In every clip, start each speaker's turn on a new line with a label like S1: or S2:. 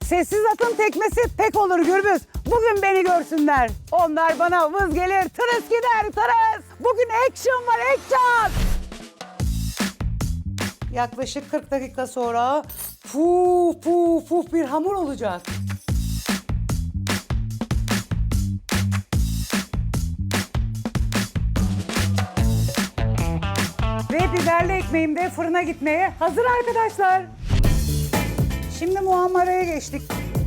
S1: Sessiz atın tekmesi pek olur Gürbüz. Bugün beni görsünler. Onlar bana vız gelir, tırıs gider, tırıs. Bugün action var, action. Yaklaşık 40 dakika sonra puf puf puf bir hamur olacak. Ve biberli ekmeğim de fırına gitmeye hazır arkadaşlar. Şimdi muhammaraya geçtik.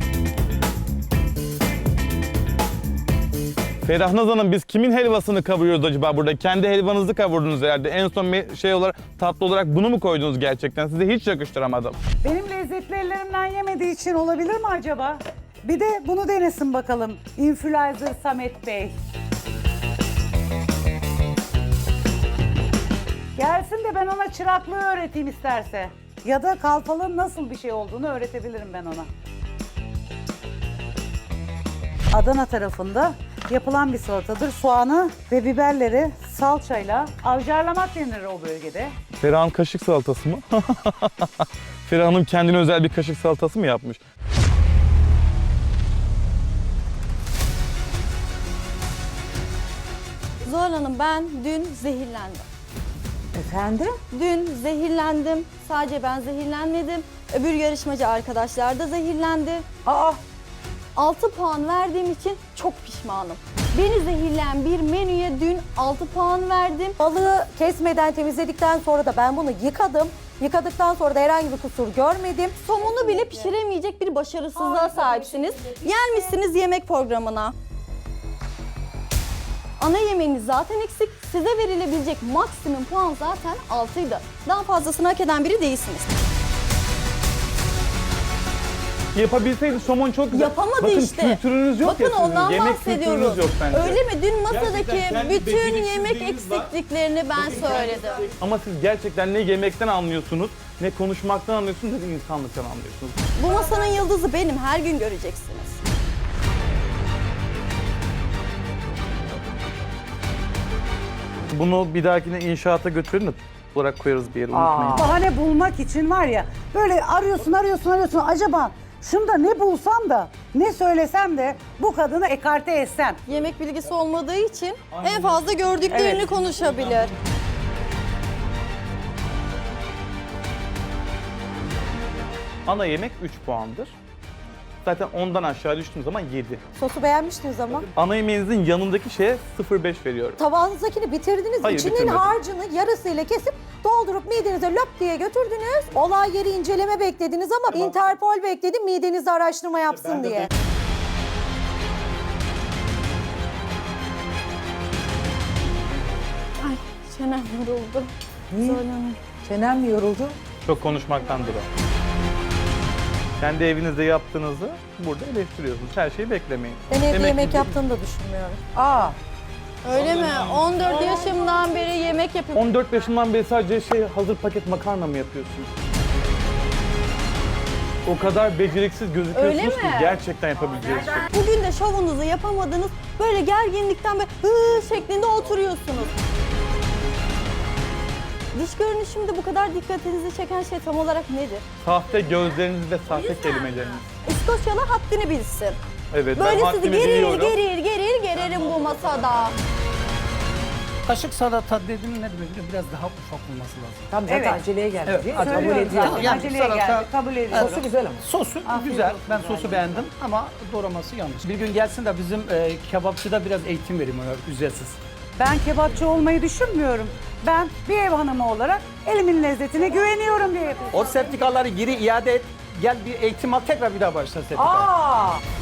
S2: Ferahnaz Hanım, biz kimin helvasını kavuruyoruz acaba burada? Kendi helvanızı kavurdunuz herhalde. En son bir şey olarak, tatlı olarak bunu mu koydunuz gerçekten? Size hiç yakıştıramadım.
S1: Benim lezzetli ellerimden yemediği için olabilir mi acaba? Bir de bunu denesin bakalım. Influencer Samet Bey. Gelsin de ben ona çıraklığı öğreteyim isterse. Ya da kalfalığın nasıl bir şey olduğunu öğretebilirim ben ona. Adana tarafında yapılan bir salatadır. Soğanı ve biberleri salçayla avcarlamak denir o bölgede.
S2: Ferah'ın kaşık salatası mı? Ferah Hanım kendine özel bir kaşık salatası mı yapmış?
S3: Zuhal Hanım, ben dün zehirlendim.
S1: Efendim?
S3: Dün zehirlendim. Sadece ben zehirlenmedim. Öbür yarışmacı arkadaşlar da zehirlendi.
S1: Aa!
S3: 6 puan verdiğim için çok pişmanım. Beni zehirleyen bir menüye dün 6 puan verdim.
S4: Balığı kesmeden temizledikten sonra da ben bunu yıkadım. Yıkadıktan sonra da herhangi bir kusur görmedim.
S3: Somunu bile pişiremeyecek bir başarısızlığa sahipsiniz. Gelmişsiniz yemek programına. Ana yemeğiniz zaten eksik. Size verilebilecek maksimum puan zaten 6'ydı. Daha fazlasını hak eden biri değilsiniz.
S2: Yapabilseydi somon çok güzel.
S3: Yapamadı
S2: Bakın,
S3: işte.
S2: kültürünüz yok
S3: Bakın
S2: ya sizin.
S3: ondan
S2: Yemek
S3: bahsediyoruz.
S2: kültürünüz yok bence.
S3: Öyle mi? Dün masadaki
S2: Gerçekten kendi
S3: bütün yemek
S2: beceriksizliğiniz var.
S3: eksikliklerini ben söyledim.
S2: Ama siz gerçekten ne yemekten anlıyorsunuz, ne konuşmaktan anlıyorsunuz, ne de insanlıktan anlıyorsunuz.
S3: Bu masanın yıldızı benim. Her gün göreceksiniz.
S2: Bunu bir dahakine inşaata götürün de olarak koyarız bir yere, unutmayın.
S1: Bahane bulmak için var ya, böyle arıyorsun. Acaba şunda ne bulsam da, ne söylesem de bu kadını ekarte etsem.
S3: Yemek bilgisi olmadığı için en fazla gördüklerini
S1: Evet.
S3: konuşabilir.
S2: Ana yemek 3 puandır. Zaten ondan aşağı düştüğüm zaman 7.
S4: Sosu beğenmiştiniz ama.
S2: Ana yemeğinizin yanındaki şeye 0,5 veriyorum.
S4: Tabağınızdakini bitirdiniz.
S2: Hayır,
S4: İçinin
S2: bitirmedim.
S4: harcını yarısıyla kesip doldurup midenize löp diye götürdünüz. Olay yeri inceleme beklediniz ama Interpol bekledi midenizde araştırma yapsın diye.
S3: Ay çenem yoruldu. Zorlanıyorum.
S1: Çenem mi yoruldu?
S2: Çok konuşmaktandır o. Kendi evinizde yaptığınızı burada eleştiriyorsunuz. Her şeyi beklemeyin.
S4: Ben evde yemek
S2: gibi-
S4: yaptığını da düşünmüyorum.
S1: Aa!
S3: Öyle mi? 14 yaşımdan beri yemek yapıyorum.
S2: 14 yaşından beri sadece hazır paket makarna mı yapıyorsunuz? O kadar beceriksiz gözüküyorsunuz
S3: Öyle
S2: ki
S3: mi?
S2: gerçekten yapabileceğiniz şey.
S3: Bugün de şovunuzu yapamadınız. Böyle gerginlikten böyle hı şeklinde oturuyorsunuz. Dış görünüşümde bu kadar dikkatinizi çeken şey tam olarak nedir?
S2: Sahte gözleriniz ve sahte kelimeleriniz.
S3: İskoçyalı haddini bilsin.
S2: Evet, ben
S3: Böyle sizi
S2: haddimi
S3: gerir
S2: biliyorum.
S3: geririm bu masada.
S5: Kaşık salata dediğin ne demek? Biraz daha ufak olması lazım.
S6: Tam zaten
S1: Evet.
S6: aceleye geldi.
S5: Evet,
S6: değil mi?
S5: acele
S6: Kabul
S1: Söylüyorum
S6: ediyorum.
S1: zaten,
S5: Yani
S1: aceleye
S5: salata-
S1: geldi, kabul ediyorum.
S6: Sosu güzel ama.
S5: Sosu
S1: Afiyet
S5: güzel.
S1: olsun
S5: Ben
S1: galiba.
S5: sosu beğendim ama doğraması yanlış. Bir gün gelsin de bizim kebapçıda biraz eğitim vereyim ona ücretsiz.
S1: Ben kebapçı olmayı düşünmüyorum. Ben bir ev hanımı olarak elimin lezzetine güveniyorum diye yapıyorum.
S5: O sertifikaları geri iade et. Gel bir eğitim al tekrar bir daha başla sertifika.
S1: Aa!